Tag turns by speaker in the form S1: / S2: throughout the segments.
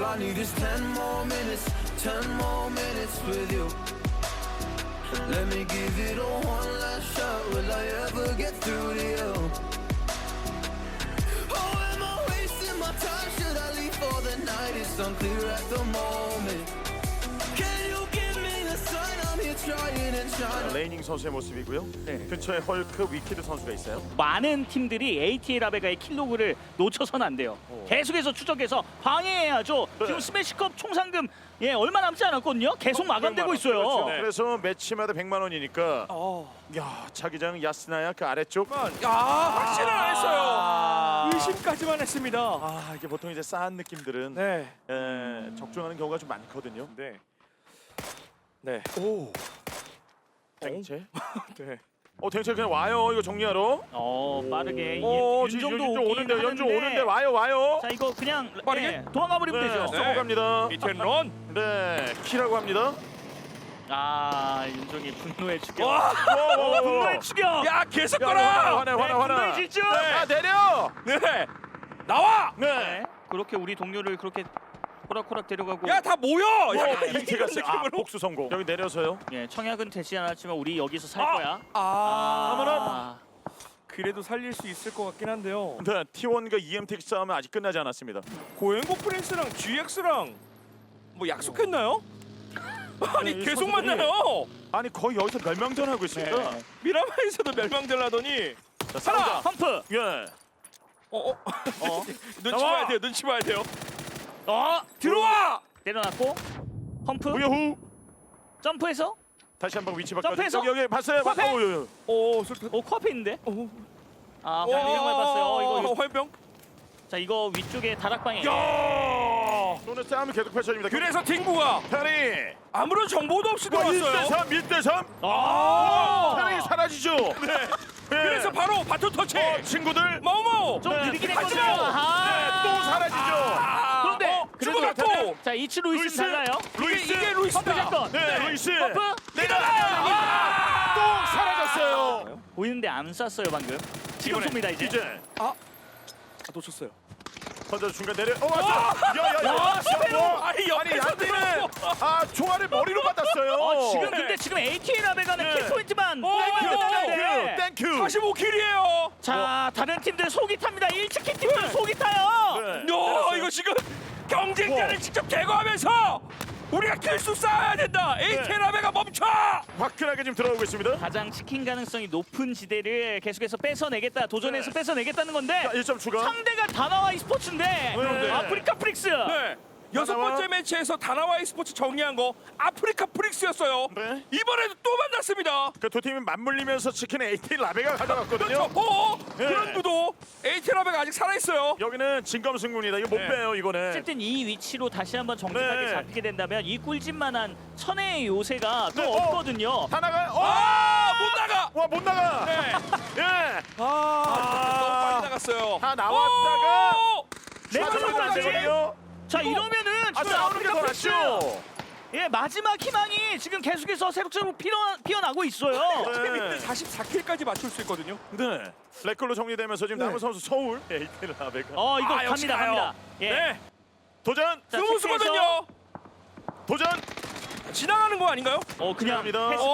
S1: All I need is 10 more minutes, 10 more minutes with you. Let me give it a one last shot. Will I ever get through to you? Oh, am I wasting my time? Should I leave for the night? It's unclear at the moment. Can you give me a sign? I'm here trying and trying.
S2: 레이닝 선수의 모습이고요.
S3: 네.
S2: 근처에 헐크, 위키드 선수가 있어요.
S3: 많은 팀들이 ATA 라베가의 킬로그를 놓쳐서는 안 돼요. 계속해서 추적해서 방해해야죠.
S2: 네.
S3: 지금 스매시컵 총 상금 예 얼마 남지 않았거든요. 계속 마감되고 있어요.
S2: 그렇죠. 그래서 매치마다 100만 원이니까. 야, 자기장 야스나야 그 아래쪽.
S4: 확신을 안 했어요.
S3: 아.
S4: 의심까지만 했습니다.
S2: 아, 이게 보통 이제 싸한 느낌들은
S4: 네.
S2: 적중하는 경우가 좀 많거든요.
S4: 네. 네.
S2: 땡채.
S4: 네.
S2: 땡채 그냥 와요. 이거 정리하러.
S3: 빠르게
S2: 윤정도
S3: 오긴
S2: 오는데 연주
S3: 하는데.
S2: 오는데 와요.
S3: 자 이거 그냥
S4: 빠르게?
S3: 예, 도망가 버리면
S2: 네,
S3: 되죠.
S2: 쏘고 갑니다.
S4: 비텐 런.
S2: 네, 키라고 합니다.
S3: 아 윤정이 분노의 추격.
S4: 와.
S3: 분노의 추격.
S4: 야, 계속
S2: 야,
S4: 걸어.
S2: 화내.
S3: 분노의 질주.
S2: 야, 내려.
S4: 네. 나와.
S2: 네.
S3: 네. 그렇게 우리 동료를 그렇게 호락호락 데려가고.
S4: 야, 다 모여. 약간
S2: 이렇게
S4: 이런
S2: 갔어요.
S4: 느낌으로.
S2: 복수 성공. 여기 내려서요.
S3: 예, 청약은 되지 않았지만 우리 여기서 살
S4: 아.
S3: 거야.
S4: 아. 그래도 살릴 수 있을 것 같긴 한데요.
S2: 네, T1과 EMTX 싸움은 아직 끝나지 않았습니다.
S4: 고행고 프린스랑 GX랑 뭐 약속했나요? 아니,
S2: 이
S4: 계속
S2: 선수들이-
S4: 만나요.
S2: 아니 거의 여기서 멸망전 하고 있습니다.
S3: 네.
S4: 미라마에서도 멸망될라더니
S2: 자,
S4: 하나!
S2: 싸우자.
S3: 펌프.
S2: 예.
S4: 눈치
S2: 나와!
S4: 봐야 돼요. 눈치 봐야 돼요.
S3: 어
S4: 들어와.
S3: 내려놨고 펌프.
S2: 우여후.
S3: 점프해서.
S2: 다시 한번 위치 바꿔.
S3: 점프해서.
S2: 여기 봤어요.
S3: 코앞에.
S4: 술탄.
S3: 코앞에 있는데.
S4: 오.
S3: 아 방향을 봤어요. 이거.
S4: 화병.
S3: 자 이거 위쪽에 다락방에.
S4: 야.
S2: 오늘 싸움이 계속 펼쳐집니다.
S4: 그래서 팅구가
S2: 페리.
S4: 아무런 정보도 없이 들어왔어요.
S2: 1대3, 1대3.
S3: 아.
S2: 페리 사라지죠. 네.
S4: 그래서 바로 바톤 터치.
S2: 친구들.
S4: 마우마우.
S3: 좀
S2: 네.
S3: 느리긴
S4: 하지
S3: 했거든요.
S4: 마.
S3: 아하.
S2: 또 사라지죠.
S3: 그런데 그래도
S4: 죽어갔고.
S3: 자 이츠 루이스는 달라요.
S2: 루이스.
S4: 이게 루이스다.
S3: 펌프 샷건.
S2: 네, 루이스.
S3: 펌프.
S2: 또 사라졌어요.
S3: 보이는데 안 쐈어요 방금. 지금
S4: 이번에
S3: 쏩니다 이제.
S2: 이제
S4: 놓쳤어요.
S2: 먼저 중간 내려. 맞아.
S3: 와, 스페로.
S4: 아니, 옆에서
S2: 안티는 총알을 머리로 받았어요.
S3: 지금 ATA 라베가는
S2: 네.
S3: 킬 포인트만
S2: 땡큐.
S4: 45킬이에요.
S3: 자 다른 팀들 속이 탑니다. 1치킨 팀들 속이 타요.
S2: 네.
S4: 이거 지금 경쟁자를 직접 제거하면서 우리가 필수 쌓아야 된다. 에이테라베가 멈춰.
S2: 화끈하게 지금 들어오고 있습니다.
S3: 가장 치킨 가능성이 높은 지대를 계속해서 뺏어내겠다. 도전해서
S2: 네.
S3: 뺏어내겠다는 건데
S2: 1점 추가.
S3: 상대가 다나와 e스포츠인데
S2: 네.
S3: 아프리카 프릭스.
S4: 네. 여섯 번째 매치에서 다나와 e스포츠 정리한 거 아프리카 프릭스였어요.
S2: 네.
S4: 이번에도 또 만났습니다.
S2: 그 두 팀이 맞물리면서 치킨 AT 라베가 가져갔거든요.
S4: 그렇죠.
S2: 네.
S4: 그런 구도. 에이테라베가 아직 살아 있어요.
S2: 여기는 진검승부입니다. 이거 못
S4: 네.
S2: 빼요 이거는.
S3: 어쨌든 이 위치로 다시 한번 정직하게
S2: 네.
S3: 잡히게 된다면 이 꿀집만한 천혜의 요새가 또
S2: 네.
S3: 없거든요.
S2: 다 나가요.
S4: 못 나가.
S2: 와못 나가.
S4: 네.
S2: 예.
S4: 너무 빨리 나갔어요.
S2: 다 나왔다가
S3: 내가
S2: 안 되거든요.
S3: 자 이러면은 지금
S2: 싸우는 게 더
S3: 프릭스
S2: 낫죠.
S3: 예 마지막 희망이 지금 계속해서 새록새록 피어나고 있어요.
S2: 네.
S4: 44킬까지 맞출 수 있거든요.
S2: 네. 레클로 정리되면서 지금
S4: 네.
S2: 남은 선수 서울 AT 라베가.
S3: 이거
S4: 역시
S3: 갑니다
S4: 가요.
S3: 갑니다. 예.
S4: 네.
S2: 도전.
S3: 자,
S4: 스무스거든요.
S2: 도전.
S4: 지나가는 거 아닌가요?
S3: 그냥
S2: 합니다.
S3: 패스.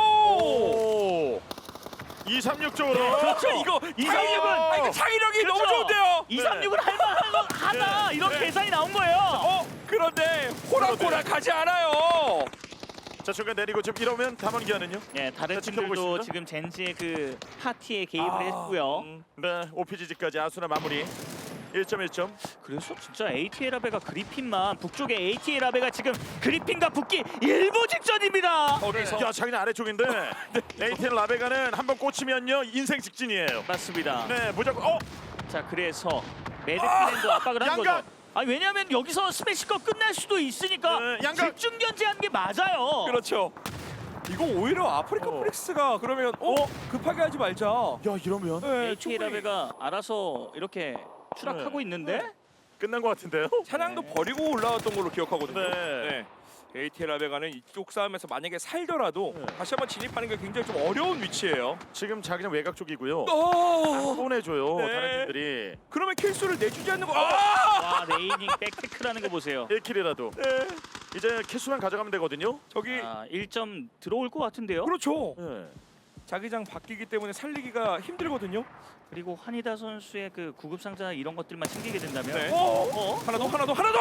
S2: 오. 236 쪽으로.
S3: 그렇죠.
S4: 이거
S3: 이상형은-
S4: 이거 창의력이 너무
S3: 그렇죠.
S4: 좋은데요.
S3: 236은 할만하다
S2: 네.
S3: 이런
S2: 네.
S3: 계산이 나온 거예요.
S4: 그런데 호락호락 가지 않아요.
S2: 자 중간 내리고 지금 이러면 담원기아는요?
S3: 예, 다른
S2: 자, 지켜보고
S3: 팀들도
S2: 있습니다.
S3: 지금 젠지의 그 파티에 개입을 했고요.
S2: 네, OPGG까지 아수라 마무리. 1.1점.
S3: 그래서 진짜 ATA 라베가 그리핀만 북쪽에 ATA 라베가 지금 그리핀과 붙기 일보 직전입니다.
S2: 야, 자기는 아래쪽인데 AT 라베가는 한번 꽂히면요 인생 직진이에요.
S3: 맞습니다.
S2: 네, 무조건.
S3: 자 그래서 매드클랜도 압박을 한
S2: 양각!
S3: 거죠. 왜냐하면 여기서 스매시컵 끝날 수도 있으니까
S2: 네, 양각!
S3: 집중 견제한 게 맞아요.
S4: 그렇죠. 이거 오히려 아프리카 프릭스가 그러면 급하게 하지 말자.
S2: 야, 이러면
S4: 네,
S3: ATA
S4: 충분히.
S3: 라베가 알아서 이렇게 추락하고
S2: 네.
S3: 있는데
S2: 끝난 것 같은데요?
S4: 사냥도 버리고 올라왔던 걸로 기억하거든요.
S2: 네.
S4: ATL 라베가는 이쪽 싸움에서 만약에 살더라도
S2: 네.
S4: 다시 한번 진입하는 게 굉장히 좀 어려운 위치예요.
S2: 지금 자기장 외곽 쪽이고요.
S4: 오!
S2: 보내줘요.
S4: 네.
S2: 다른 팀들이
S4: 그러면 킬수를 내주지 않는 거.
S3: 와 네이닝 백테크라는 거 보세요.
S2: 1킬이라도
S4: 네.
S2: 이제 킬수만 가져가면 되거든요.
S4: 저기
S3: 1점 들어올 것 같은데요.
S4: 그렇죠.
S2: 네.
S4: 자기장 바뀌기 때문에 살리기가 힘들거든요.
S3: 그리고 환희다 선수의 그 구급 상자 이런 것들만 챙기게 된다면
S4: 네.
S3: 어?
S4: 하나 더.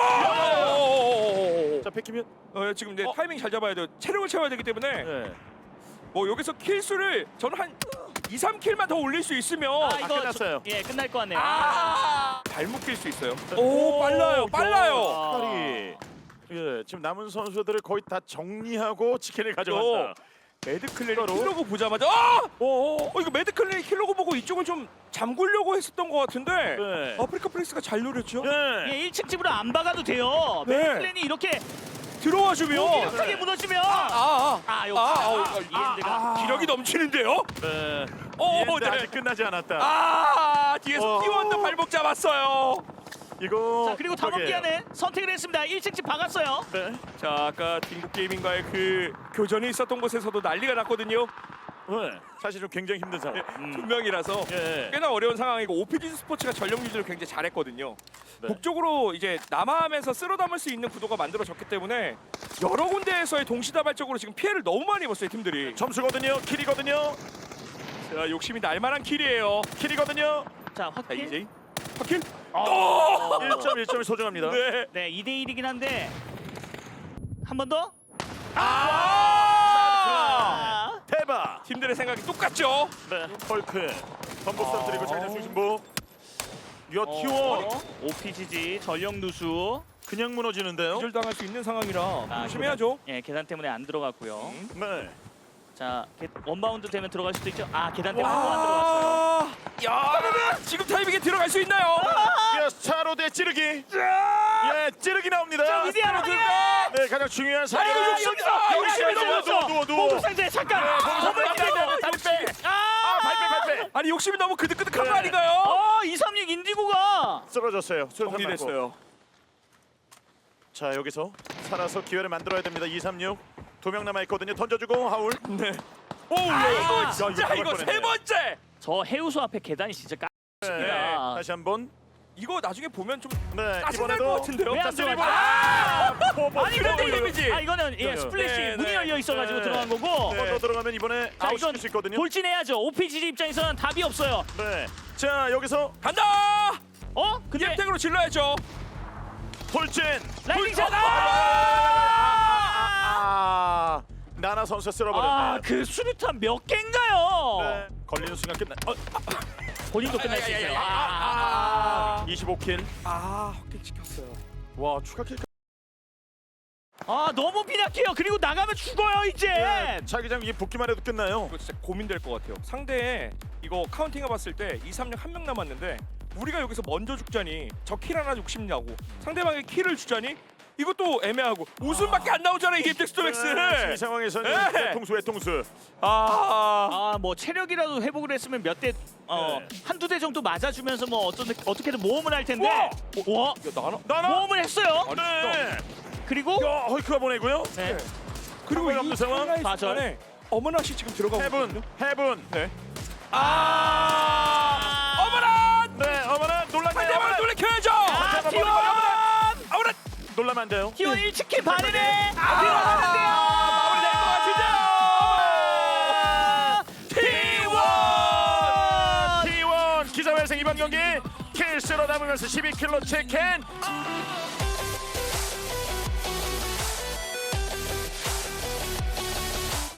S2: 자 뺏기면
S4: 지금 이제 타이밍 잘 잡아야 돼요. 체력을 채워야 되기 때문에
S2: 네.
S4: 뭐 여기서 킬수를 저는 한 2, 3킬만 더 올릴 수 있으면
S2: 끝났어요.
S3: 예 끝날 것 같네요.
S4: 발목 낄 수 있어요. 오, 빨라요.
S2: 팔이 예, 지금 남은 선수들을 거의 다 정리하고 치킨을 가져간다.
S4: 매드클랜이
S2: 바로?
S4: 킬로그 보자마자 이거 매드클랜이 킬로그 보고 이쪽은 좀 잠그려고 했었던 것 같은데
S2: 네.
S4: 아프리카 프렉스가 잘 노렸죠.
S2: 네.
S3: 예 1층 집으로 안 박아도 돼요.
S4: 네.
S3: 맥클랜이 이렇게
S4: 들어와 주면
S3: 무기력하게 무너지면 역시 이엔드가
S4: 기력이 넘치는데요.
S2: 네.
S4: 네.
S2: 아직 끝나지 않았다.
S4: 뒤에서 T1도 발목 잡았어요.
S2: 이거
S3: 자 그리고 담원기아는 선택을 했습니다. 1층 집 박았어요.
S2: 네.
S4: 자, 아까 딩국 게이밍과의 그 교전이 있었던 곳에서도 난리가 났거든요.
S2: 네. 사실 좀 굉장히 힘든 상황.
S4: 두 명이라서
S2: 예.
S4: 꽤나 어려운 상황이고 OPG 스포츠가 전력 유지를 굉장히 잘했거든요.
S2: 네.
S4: 북쪽으로 이제 남하하면서 쓸어 담을 수 있는 구도가 만들어졌기 때문에 여러 군데에서의 동시다발적으로 지금 피해를 너무 많이 입었어요, 팀들이.
S2: 점수거든요. 킬이거든요.
S4: 자, 욕심이 날만한 킬이에요.
S2: 킬이거든요.
S3: 자
S4: 자,
S3: 확킬.
S4: 이제 확킬.
S2: 1점이 소중합니다.
S4: 네.
S3: 네 2대 1이긴 한데 한 번 더.
S2: 대박.
S4: 팀들의 생각이 똑같죠.
S2: 네. 헐크. 전복선 드리고 장장 중심부. 야 T1
S3: OPGG 전력 누수.
S2: 그냥 무너지는데요.
S4: 기절당할 수 있는 상황이라
S3: 아,
S4: 조심해야죠.
S3: 예 계단 때문에 안 들어갔고요.
S2: 네.
S3: 자 원바운드 되면 들어갈 수도 있죠. 계단 때문에 또 안 들어갔어요.
S4: 야, 지금 타이밍에 들어갈 수 있나요?
S2: 야 차로대 찌르기. 예, 찌르기 나옵니다.
S3: 위대한 확인.
S2: 네, 가장 중요한 사격.
S4: 욕심이
S2: 누워.
S3: 보급상자에 잠깐.
S2: 발빼. 발빼.
S4: 아니 욕심이 너무 그득그득한 거
S2: 네.
S4: 아닌가요?
S3: 236 인디고가
S2: 쓰러졌어요.
S4: 정리됐어요.
S2: 자, 여기서 살아서 기회를 만들어야 됩니다. 236. 2명 남아 있거든요. 던져주고 하울.
S4: 네.
S2: 이거
S4: 진짜 이거 세 번째.
S3: 저 해우소 앞에 계단이 진짜
S2: 네.
S3: 깝니다.
S2: 다시 한번.
S4: 이거 나중에 보면 좀
S2: 네,
S4: 짜증날 것 같은데요.
S3: 왜안
S2: 자,
S3: 들어가죠?
S2: 아니
S3: 근데
S4: 데미지.
S3: 이거는 스플릿이
S4: 네,
S3: 문이
S4: 네.
S3: 열려 있어가지고
S2: 네.
S3: 들어간 거고.
S2: 더 들어가면 이번에
S3: 자,
S2: 아웃
S3: 이건
S2: 시킬 수 있거든요.
S3: 돌진해야죠. OPG 입장에서는 답이 없어요.
S2: 네. 자, 여기서
S4: 간다.
S3: 근데
S4: 이엠택으로 질러야죠.
S2: 돌진.
S3: 라이딩 샷!
S2: 나나 선수 쓸어버렸네.
S3: 그 수류탄 몇 개인가요?
S2: 네. 걸리는 순간 끝나.
S3: 본인도 끝날 수 있어요.
S2: 25킬.
S4: 확인 찍혔어요.
S2: 와, 추가 킬.
S3: 너무 빈약해요. 그리고 나가면 죽어요 이제.
S2: 자기장 이 붙기만 해도 끝나요.
S4: 이거 진짜 고민될 것 같아요. 상대에 이거 카운팅 해봤을 때 2, 3력 한 명 남았는데 우리가 여기서 먼저 죽자니 저 킬 하나 욕심냐고 상대방의 킬을 주자니 이것도 애매하고 웃음밖에 안 나오잖아요 이 텍스토맥스.
S2: 이 상황에서는
S4: 네.
S2: 외통수.
S3: 뭐 체력이라도 회복을 했으면 몇 대,
S2: 네.
S3: 한두 대 정도 맞아주면서 뭐 어떻게든 모험을 할 텐데. 와,
S4: 야, 나나?
S3: 모험을 했어요.
S4: 아니,
S2: 네.
S3: 그리고
S2: 야, 헐크가 보내고요.
S3: 네.
S4: 그리고
S2: 상관이 없는
S4: 이
S2: 상황.
S4: 상황
S3: 좌절.
S4: 순간에 어머나씨 지금 들어가고 있거든요.
S2: 해븐.
S4: 네.
S2: 어머나. 네, 어머나 놀랐네.
S4: 상대방을 놀래켜야죠.
S3: T1
S4: 어머나.
S2: 놀라면 안 돼요.
S3: T1 1치킨 반이네.
S4: 들어가는데요. 마무리될 것 같은데요.
S2: T1 기자회생 이번 경기 킬 쓸어 담으면서 12킬로 치킨.